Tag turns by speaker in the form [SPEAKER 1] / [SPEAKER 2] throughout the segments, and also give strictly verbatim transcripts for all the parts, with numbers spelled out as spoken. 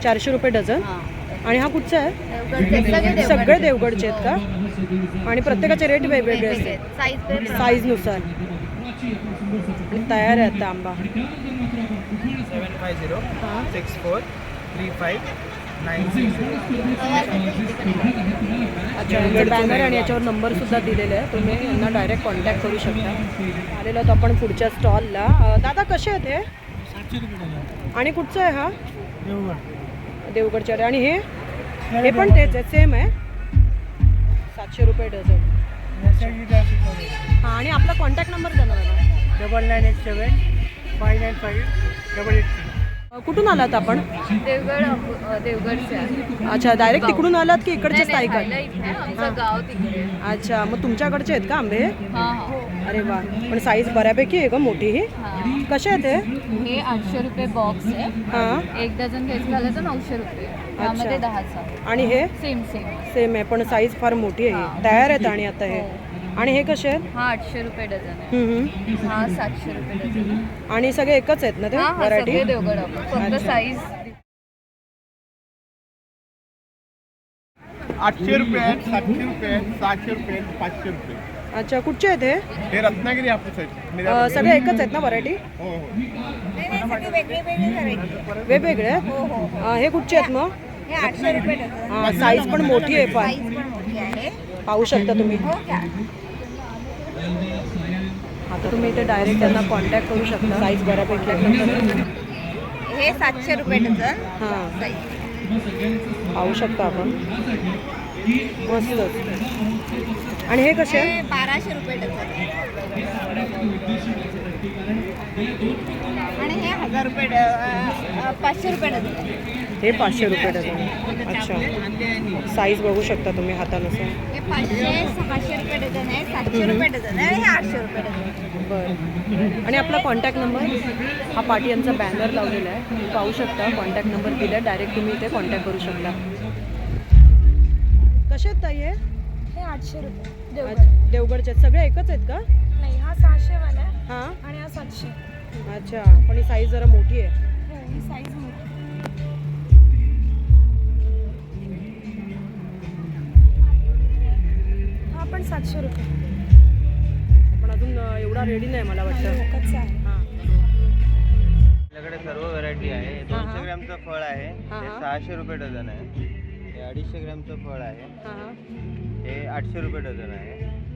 [SPEAKER 1] चारशे रुपये डझन. आणि हा कुठचा आहे? सगळे देवगडचे आहेत का? आणि प्रत्येकाचे रेट वेगवेगळे असतात साईजनुसार. आणि तयार आहे आता आंबा.
[SPEAKER 2] Seven five zero six four three five nine six.
[SPEAKER 1] अच्छा, यांचं बॅनर आणि याच्यावर नंबर सुद्धा दिलेला आहे. तुम्ही यांना डायरेक्ट कॉन्टॅक्ट करू शकता. आलेलो आहोत आपण पुढच्या स्टॉलला. दादा कसे आहेत हे? आणि कुठचं आहे हा? देवगडचे. आणि हे हे पण तेच आहे, सेम आहे, सातशे रुपये डझन. हां, आणि आपला कॉन्टॅक्ट नंबर द्या ना मला.
[SPEAKER 2] Double nine eight seven five nine five double eight.
[SPEAKER 1] कुठून आलात आपण?
[SPEAKER 3] देवगड देवगडचे आहे.
[SPEAKER 1] अच्छा, डायरेक्ट तिकडून आलात की इकडचेच ताई का?
[SPEAKER 3] आमचं गाव तिकडे.
[SPEAKER 1] अच्छा, मग तुमच्याकडचे आहेत का आंबे?
[SPEAKER 3] हां हां.
[SPEAKER 1] अरे वा, पण साईज बऱ्यापैकी आहे का मोठी ही? कसे आहेत हे?
[SPEAKER 3] हे आठशे रुपये बॉक्स आहे.
[SPEAKER 1] हां.
[SPEAKER 3] एक डझन घ्यायचं झालं तर नऊशे रुपये. त्यामध्ये दहाचा.
[SPEAKER 1] आणि हे
[SPEAKER 3] सेम सेम
[SPEAKER 1] सेम आहे, पण साईज फार मोठी आहे. तयार आहेत. आणि आता हे आणि हे कसे आहेत?
[SPEAKER 3] हा आठशे रुपये डझन आहे.
[SPEAKER 1] हम्म, हम्म.
[SPEAKER 3] हा सातशे रुपये डझन.
[SPEAKER 1] आणि सगळे एकच आहेत ना ते
[SPEAKER 3] हा हा
[SPEAKER 1] व्हरायटी?
[SPEAKER 3] सगळे देवगड आपण फक्त साईज.
[SPEAKER 2] आठशे रुपये आहेत, सातशे रुपये आहेत, सहाशे रुपये आहेत, पाचशे रुपये.
[SPEAKER 1] अच्छा, कुठचे आहेत हे?
[SPEAKER 2] हे रत्नागिरी हापूस आहेत.
[SPEAKER 1] अ, सगळे एकच आहेत ना व्हरायटी?
[SPEAKER 2] हो हो.
[SPEAKER 1] वेगवेगळे आहेत? अ, हे कुठचे आहेत मग?
[SPEAKER 4] आठशे रुपये डझन.
[SPEAKER 1] हां, साईज पण मोठी आहे फार.
[SPEAKER 4] साईज पण मोठी आहे.
[SPEAKER 1] पाहू शकता तुम्ही.
[SPEAKER 4] हो का?
[SPEAKER 1] आता तुम्ही इथे डायरेक्ट त्यांना कॉन्टॅक्ट करू शकता. साईज बऱ्यापैकी आहे.
[SPEAKER 4] हे सातशे रुपये डझन.
[SPEAKER 1] हां,
[SPEAKER 4] साईज.
[SPEAKER 1] पाहू शकता आपण. मस्त. आणि हे कसे आहे?
[SPEAKER 4] हे बाराशे रुपये डझन. आणि हे हजार रुपये ड- अ, पाचशे रुपये डझन.
[SPEAKER 1] हे पाचशे रुपये डझन. अच्छा, साईज बघू शकता तुम्ही हातानुसार.
[SPEAKER 4] हे पाचशे सहाशे रुपये डझन आहे, सातशे रुपये डझन आहे, हे आठशे रुपये डझन.
[SPEAKER 1] बरं. आणि आपला कॉन्टॅक्ट नंबर? हा पाटी यांचा बॅनर लावलेला आहे, तुम्ही पाहू शकता. कॉन्टॅक्ट नंबर दिला, डायरेक्ट तुम्ही इथे कॉन्टॅक्ट करू शकता. कसे आहेत ताई हे?
[SPEAKER 5] हे आठशे रुपये देवगड.
[SPEAKER 1] अच्छा, देवगडचे आहेत. सगळे एकच आहेत का?
[SPEAKER 5] नाही, हा सहाशे वाला आहे
[SPEAKER 1] हां.
[SPEAKER 5] आणि हा सातशे.
[SPEAKER 1] अच्छा, पण ही साईज जरा मोठी आहे.
[SPEAKER 5] हो, ही साईज मोठी. हा पण सातशे रुपये.
[SPEAKER 1] पण अजून अ, एवढा रेडी नाही मला वाटतं.
[SPEAKER 5] कच्चा आहे.
[SPEAKER 1] हां.
[SPEAKER 6] आपल्याकडे सर्व व्हरायटी आहे.
[SPEAKER 1] हा.
[SPEAKER 6] दोनशे ग्रॅमचं फळ आहे,
[SPEAKER 1] हा,
[SPEAKER 6] हे
[SPEAKER 1] हा.
[SPEAKER 6] सहाशे रुपये डझन आहे. हे अडीचशे ग्रॅमचं फळ आहे,
[SPEAKER 1] हां हां.
[SPEAKER 6] हे आठशे रुपये डझन आहे.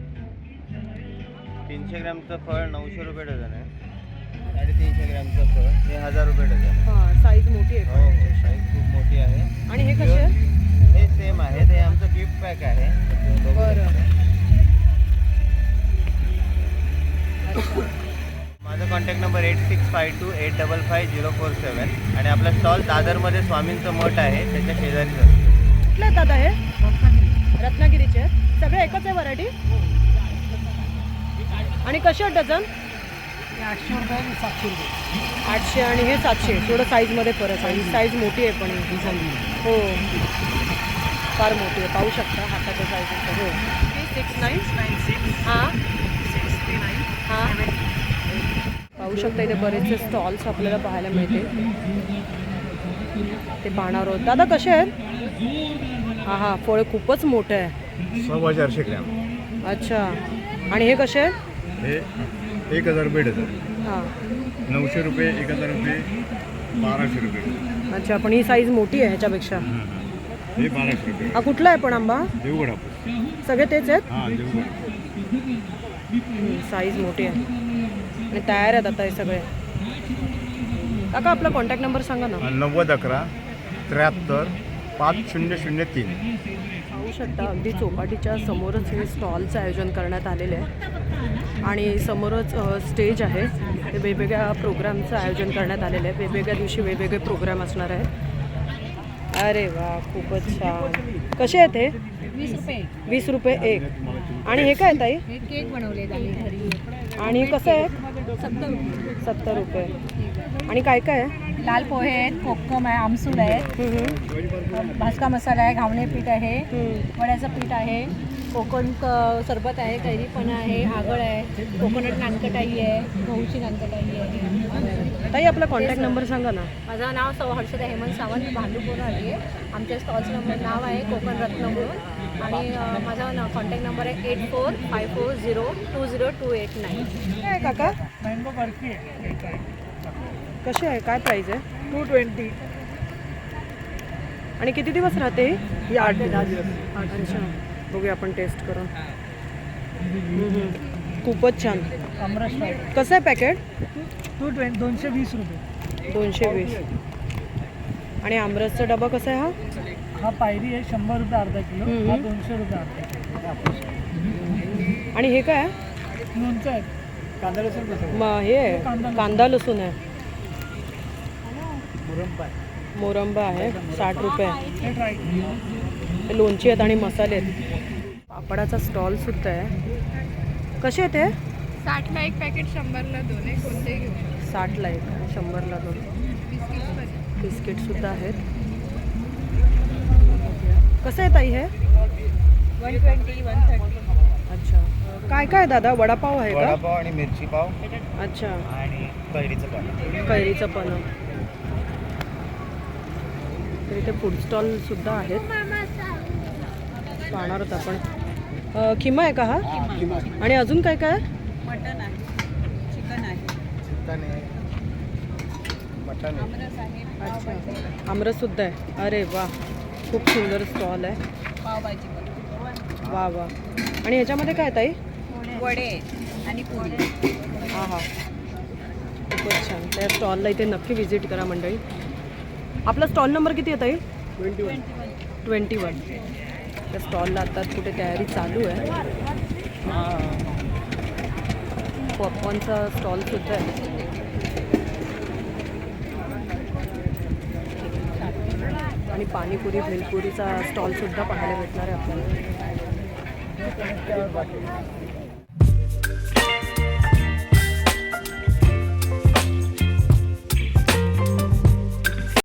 [SPEAKER 6] तीनशे ग्रॅमचं फळ नऊशे रुपये डझन आहे. साडेतीनशे ग्रॅमचं फळ हे हजार रुपये डझन आहे.
[SPEAKER 1] हां, साईज मोठी आहे.
[SPEAKER 6] हो हो, साईज खूप मोठी आहे.
[SPEAKER 1] आणि हे कसे आहेत?
[SPEAKER 6] हे सेम आहे, हे आमचं गिफ्ट पॅक आहे.
[SPEAKER 1] बरं.
[SPEAKER 6] माझा contact number eight six five two eight double five zero four seven. आणि आपला स्टॉल दादरमध्ये स्वामींचं मठ आहे, त्याच्या शेजारीच असतो.
[SPEAKER 1] कुठले आहेत दादा हे? रत्नागिरीचे आहेत. सगळे एकच आहे व्हरायटी? आणि कसे आहेत डझन?
[SPEAKER 2] आठशे रुपये आणि सातशे रुपये.
[SPEAKER 1] आठशे आणि हे सातशे. थोडं साईजमध्ये फरक आहे. ही साईज मोठी आहे, पण ही हो फार मोठी आहे. पाहू शकता हाताच्या साईज. हो, सिक्स नाईन नाईन सिक्स. हां हां, पाहू शकता इथे बरेचसे स्टॉल्स आपल्याला पाहायला मिळते. ते पाहणार आहोत. दादा कसे आहेत? हां हां, फळ खूपच मोठं आहे.
[SPEAKER 2] सव्वा चारशे ग्रॅम.
[SPEAKER 1] अच्छा, आणि हे कसे आहेत?
[SPEAKER 2] हे एक हजार रुपये डझन.
[SPEAKER 1] हां.
[SPEAKER 2] नऊशे रुपये, एक हजार रुपये, बाराशे रुपये.
[SPEAKER 1] अच्छा, पण ही साईज मोठी आहे ह्याच्यापेक्षा.
[SPEAKER 2] हे बाराशे रुपये.
[SPEAKER 1] हा कुठला आहे पण आंबा?
[SPEAKER 2] देवगड हापूस.
[SPEAKER 1] सगळे तेच आहेत.
[SPEAKER 2] हां, देवगड.
[SPEAKER 1] साईज मोठी आहे आणि तयार आहेत आता हे सगळे. काका आपला कॉन्टॅक्ट नंबर सांगा ना.
[SPEAKER 2] नव्वद अकरा त्र्याहत्तर पाच शून्य शून्य तीन.
[SPEAKER 1] पाहू शकता अगदी चौपाटीच्या समोरच हे स्टॉलचं आयोजन करण्यात आलेलं आहे. आणि समोरच अ, स्टेज आहे. ते वेगवेगळ्या प्रोग्रामचं आयोजन करण्यात आलेलं आहे. वेगवेगळ्या दिवशी वेगवेगळे प्रोग्राम असणार आहेत. अरे वा, खूपच छान. कसे आहेत हे?
[SPEAKER 3] वीस रुपये.
[SPEAKER 1] वीस रुपये एक. आणि हे काय ताई?
[SPEAKER 3] हे केक बनवले आम्ही घरी.
[SPEAKER 1] आणि कसं आहे?
[SPEAKER 3] सत्तर रुपये.
[SPEAKER 1] सत्तर रुपये. आणि काय काय आहे?
[SPEAKER 3] लाल पोहे आहेत, कोकम आहे, आमसूल आहे,
[SPEAKER 1] हम्म, हम्म.
[SPEAKER 3] भाजका मसाला आहे, घावणे पीठ आहे,
[SPEAKER 1] हम्म.
[SPEAKER 3] वड्याचं पीठ आहे, कोकण क- सरबत आहे, कैरीपणा आहे, आगळ आहे, कोकोनट नानकटाई आहे, गहूची नानकटाई आहे.
[SPEAKER 1] ताई आपला कॉन्टॅक्ट नंबर सांगा ना.
[SPEAKER 3] माझं नाव सौ हर्षदा हेमंत सावंत, मी भांडूपूर आली आहे. आमच्या स्टॉलचं नंबर नाव आहे कोकण रत्न म्हणून आणि अ, माझा न कॉन्टॅक्ट नंबर आहे eight four five four zero two zero two eight nine.
[SPEAKER 1] काय आहे काका?
[SPEAKER 2] मँगो बर्फी आहे
[SPEAKER 1] कशी आहे, काय प्राईज आहे?
[SPEAKER 2] Two twenty.
[SPEAKER 1] आणि किती दिवस राहते ही?
[SPEAKER 2] ही आठ ते दहा दिवस.
[SPEAKER 1] अच्छा, बघूया आपण टेस्ट करून. हम्म, हम्म. खूपच छान.
[SPEAKER 2] आमरस फ्राय
[SPEAKER 1] कसं आहे पॅकेट?
[SPEAKER 2] टू ट्वेंटी दोनशे वीस रुपये.
[SPEAKER 1] दोनशे वीस. आणि आमरसचा डबा कसा आहे हा?
[SPEAKER 2] हा पायरी आहे शंभर रुपये अर्धा किलो.
[SPEAKER 1] हम्म.
[SPEAKER 2] हा दोनशे रुपये अर्धा किलो.
[SPEAKER 1] आणि हे काय आहे?
[SPEAKER 2] लोणचं आहे कांदा लसूण कसं
[SPEAKER 1] म हे आहे, कांदा लसूण आहे.
[SPEAKER 2] मुरंबा आहे.
[SPEAKER 1] मोरंबा आहे साठ रुपये.
[SPEAKER 2] हे ट्राय
[SPEAKER 1] हे लोणची आहेत आणि मसाले आहेत. पापडाचा स्टॉल सुद्धा आहे. कसे आहेत ते?
[SPEAKER 5] साठला एक पॅकेट, शंभरला दोन आहे, कोणतेही घेऊ शकतो.
[SPEAKER 1] साठला एक आणि शंभरला दोन. बिस्किटसुद्धा आहेत. कसं आहे ताई हे?
[SPEAKER 4] One twenty one thirty.
[SPEAKER 1] अच्छा, काय काय दादा? वडापाव आहे का?
[SPEAKER 6] वडापाव आणि मिरची पाव
[SPEAKER 1] अच्छा,
[SPEAKER 6] आणि कैरीचं पाणी.
[SPEAKER 1] कैरीचं पण. तर इथे फूड स्टॉल सुद्धा आहेत. पाहणार होत आपण. अ, खिमा आहे का हा? आणि अजून काय काय?
[SPEAKER 4] मटन आहे, चिकन आहे,
[SPEAKER 6] चिकन आहे, मटन आहे.
[SPEAKER 4] आमरस आहे,
[SPEAKER 1] अच्छा, आमरस सुद्धा आहे. अरे वा, खूप सुंदर स्टॉल आहे.
[SPEAKER 4] पावभाजी पण,
[SPEAKER 1] वा वा. आणि ह्याच्यामध्ये काय ताई?
[SPEAKER 4] वडे आणि पोळी.
[SPEAKER 1] हां हां, खूपच छान. त्या स्टॉलला इथे नक्की व्हिजिट करा मंडळी. आपला स्टॉल नंबर किती आहे ताई?
[SPEAKER 2] Twenty one.
[SPEAKER 1] Twenty one. त्या स्टॉलला आता कुठे तयारी चालू आहे. पॉपकॉर्नचा स्टॉलसुद्धा आहे. आणि पाणीपुरी भेलपुरीचा स्टॉलसुद्धा पाहायला भेटणार आहे आपल्याला.